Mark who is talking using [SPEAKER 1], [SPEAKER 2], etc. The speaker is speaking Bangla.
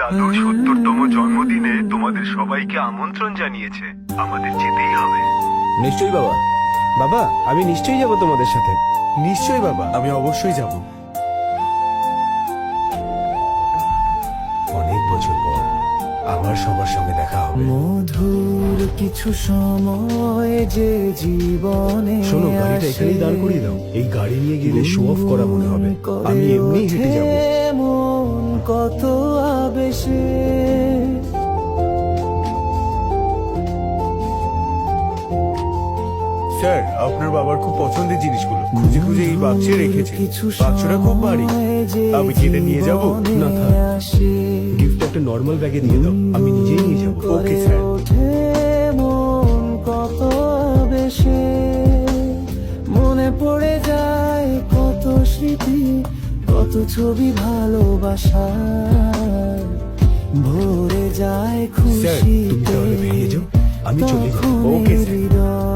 [SPEAKER 1] দাদুর ৭০তম জন্মদিনে তোমাদের সবাইকে আমন্ত্রণ জানিয়েছে। আমাদের যেতেই হবে।
[SPEAKER 2] নিশ্চয়ই বাবা।
[SPEAKER 3] বাবা, আমি নিশ্চয়ই যাব তোমাদের সাথে। নিশ্চয়ই বাবা, আমি অবশ্যই যাব। অনেক বছর পর আবার সবার সঙ্গে দেখা হবে।
[SPEAKER 4] মধুর কিছু সময় যে জীবনে
[SPEAKER 3] শোনো, গাড়িটা এখানেই দাঁড় করিয়ে দাও। এই গাড়ি নিয়ে গেলে শো অফ করা মনে হবে। আমি এমনি হেঁটে যাব।
[SPEAKER 4] মন কত আবেশে
[SPEAKER 3] স্যার, আপনার বাবার খুব পছন্দের জিনিসগুলো খুঁজে খুঁজে এই বাক্সে রেখেছে। বাক্সটা খুব ভারী। আমি কি এটা নিয়ে যাব? না থাক, গিফটটা একটা নর্মাল ব্যাগে দিয়ে দাও, আমি নিজেই নিয়ে যাব। Okay sir.
[SPEAKER 4] মন কত বেশি মনে পড়ে যায়, কত স্মৃতি, কত ছবি ভালোবাসার ভরে যায়
[SPEAKER 3] স্যার, তুমি তাহলে
[SPEAKER 4] খুশিতে।
[SPEAKER 3] বেরিয়ে যাও, আমি চলে যাব। Okay sir.
[SPEAKER 4] হৃদয়